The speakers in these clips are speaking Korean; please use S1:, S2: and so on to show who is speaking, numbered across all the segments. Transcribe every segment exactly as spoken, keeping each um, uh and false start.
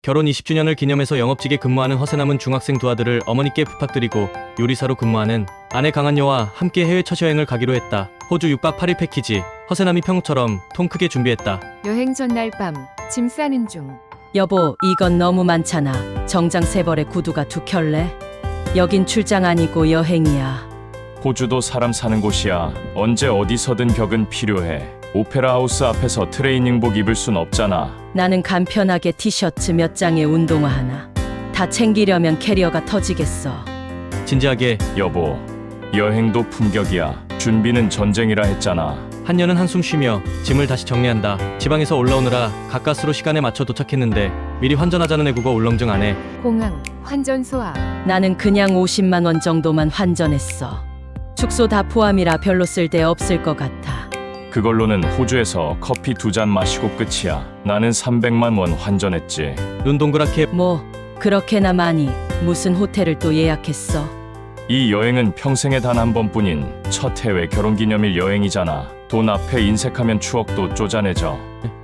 S1: 결혼 이십 주년을 기념해서 영업직에 근무하는 허세남은 중학생 두 아들을 어머니께 부탁드리고 요리사로 근무하는 아내 강한여와 함께 해외 첫 여행을 가기로 했다. 호주 육 박 팔 일 패키지. 허세남이 평소처럼 통 크게 준비했다.
S2: 여행 전날 밤 짐 싸는 중.
S3: 여보, 이건 너무 많잖아. 정장 세 벌에 구두가 두 켤레? 여긴 출장 아니고 여행이야.
S4: 호주도 사람 사는 곳이야. 언제 어디서든 격은 필요해. 오페라 하우스 앞에서 트레이닝복 입을 순 없잖아.
S3: 나는 간편하게 티셔츠 몇 장에 운동화 하나. 다 챙기려면 캐리어가 터지겠어.
S1: 진지하게
S4: 여보, 여행도 품격이야. 준비는 전쟁이라 했잖아.
S1: 한여는 한숨 쉬며 짐을 다시 정리한다. 지방에서 올라오느라 가까스로 시간에 맞춰 도착했는데 미리 환전하자는 애국어 울렁증 안에
S2: 공항 환전소 앞.
S3: 나는 그냥 오십만 원 정도만 환전했어. 축소 다 포함이라 별로 쓸데 없을 것 같아.
S4: 그걸로는 호주에서 커피 두 잔 마시고 끝이야. 나는 삼백만 원 환전했지.
S1: 눈 동그랗게
S3: 뭐 그렇게나 많이. 무슨 호텔을 또 예약했어?
S4: 이 여행은 평생에 단 한 번뿐인 첫 해외 결혼기념일 여행이잖아. 돈 앞에 인색하면 추억도 쪼잔해져.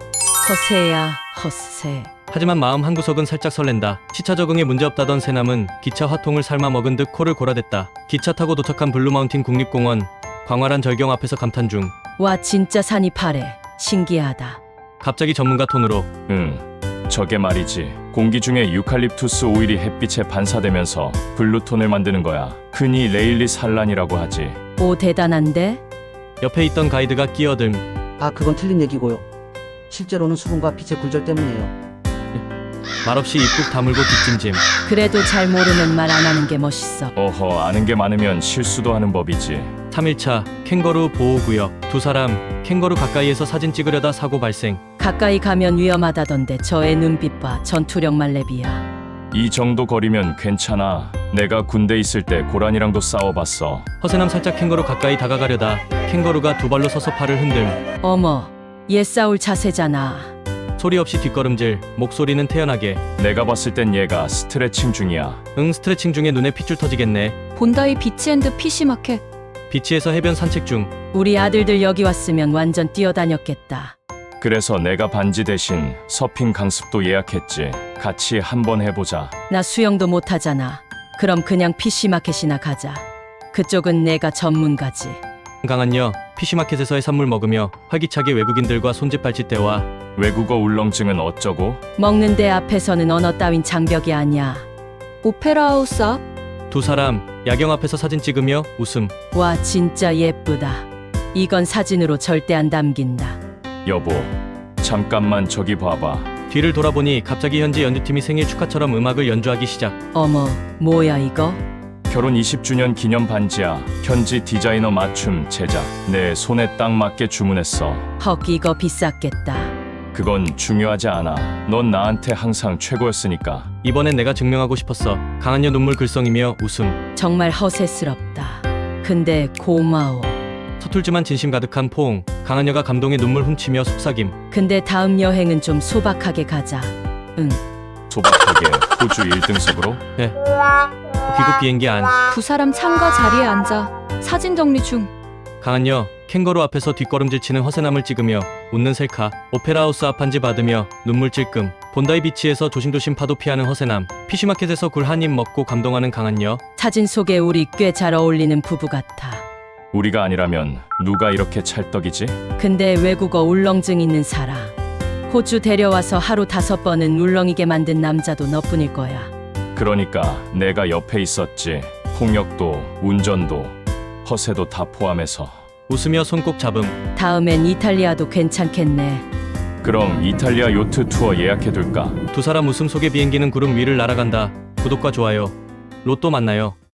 S3: 허세야, 허세.
S1: 하지만 마음 한구석은 살짝 설렌다. 시차 적응에 문제없다던 새남은 기차 화통을 삶아 먹은 듯 코를 골아댔다. 기차 타고 도착한 블루마운틴 국립공원. 광활한 절경 앞에서 감탄 중.
S3: 와, 진짜 산이 파래. 신기하다.
S1: 갑자기 전문가 톤으로
S4: 응, 저게 말이지. 공기 중에 유칼립투스 오일이 햇빛에 반사되면서 블루톤을 만드는 거야. 흔히 레일리 산란이라고 하지.
S3: 오, 대단한데?
S1: 옆에 있던 가이드가 끼어듦.
S5: 아, 그건 틀린 얘기고요. 실제로는 수분과 빛의 굴절 때문이에요.
S1: 말없이 입국 다물고 뒷짐짐.
S3: 그래도 잘 모르면 말 안 하는 게 멋있어.
S4: 어허, 아는 게 많으면 실수도 하는 법이지.
S1: 삼 일차 캥거루 보호구역. 두 사람 캥거루 가까이에서 사진 찍으려다 사고 발생.
S3: 가까이 가면 위험하다던데 저의 눈빛 봐. 전투력 말레비야.
S4: 이 정도 거리면 괜찮아. 내가 군대 있을 때 고란이랑도 싸워봤어.
S1: 허세남 살짝 캥거루 가까이 다가가려다 캥거루가 두 발로 서서 팔을 흔듦.
S3: 어머, 얘 싸울 자세잖아.
S1: 소리 없이 뒷걸음질. 목소리는 태연하게.
S4: 내가 봤을 땐 얘가 스트레칭 중이야.
S1: 응, 스트레칭 중에 눈에 핏줄 터지겠네.
S6: 본다이 비치앤드 피시마켓.
S1: 비치에서 해변 산책 중.
S3: 우리 아들들 여기 왔으면 완전 뛰어다녔겠다.
S4: 그래서 내가 반지 대신 서핑 강습도 예약했지. 같이 한번 해보자.
S3: 나 수영도 못하잖아. 그럼 그냥 피시마켓이나 가자. 그쪽은 내가 전문가지.
S1: 강한여 피시마켓에서의 선물 먹으며 활기차게 외국인들과 손짓 발짓 대화.
S4: 외국어 울렁증은 어쩌고?
S3: 먹는 데 앞에서는 언어 따윈 장벽이 아니야.
S6: 오페라 하우스 앞.
S1: 두 사람 야경 앞에서 사진 찍으며 웃음.
S3: 와, 진짜 예쁘다. 이건 사진으로 절대 안 담긴다.
S4: 여보, 잠깐만 저기 봐봐.
S1: 뒤를 돌아보니 갑자기 현지 연주팀이 생일 축하처럼 음악을 연주하기 시작.
S3: 어머, 뭐야 이거?
S4: 결혼 이십 주년 기념 반지야. 현지 디자이너 맞춤 제작. 내 손에 딱 맞게 주문했어.
S3: 헉, 이거 비쌌겠다.
S4: 그건 중요하지 않아. 넌 나한테 항상 최고였으니까.
S1: 이번엔 내가 증명하고 싶었어. 강한여 눈물 글썽이며 웃음.
S3: 정말 허세스럽다. 근데 고마워.
S1: 서툴지만 진심 가득한 포옹. 강한여가 감동에 눈물 훔치며 속삭임.
S3: 근데 다음 여행은 좀 소박하게 가자. 응.
S4: 소박하게 호주 일 등석으로?
S1: 귀국 비행기 안.
S6: 두 사람 창가 자리에 앉아 사진 정리 중.
S1: 강한여 캥거루 앞에서 뒷걸음질 치는 허세남을 찍으며 웃는 셀카. 오페라 하우스 앞 한지 받으며 눈물 찔끔. 본다이 비치에서 조심조심 파도 피하는 허세남. 피쉬마켓에서 굴 한 입 먹고 감동하는 강한여.
S3: 사진 속에 우리 꽤 잘 어울리는 부부 같아.
S4: 우리가 아니라면 누가 이렇게 찰떡이지?
S3: 근데 외국어 울렁증 있는 사람. 호주 데려와서 하루 다섯 번은 울렁이게 만든 남자도 너뿐일 거야.
S4: 그러니까 내가 옆에 있었지. 폭력도 운전도 허세도 다 포함해서.
S1: 웃으며 손 꼭 잡음.
S3: 다음엔 이탈리아도 괜찮겠네.
S4: 그럼 이탈리아 요트 투어 예약해둘까?
S1: 두 사람 웃음 속에 비행기는 구름 위를 날아간다. 구독과 좋아요. 로또 만나요.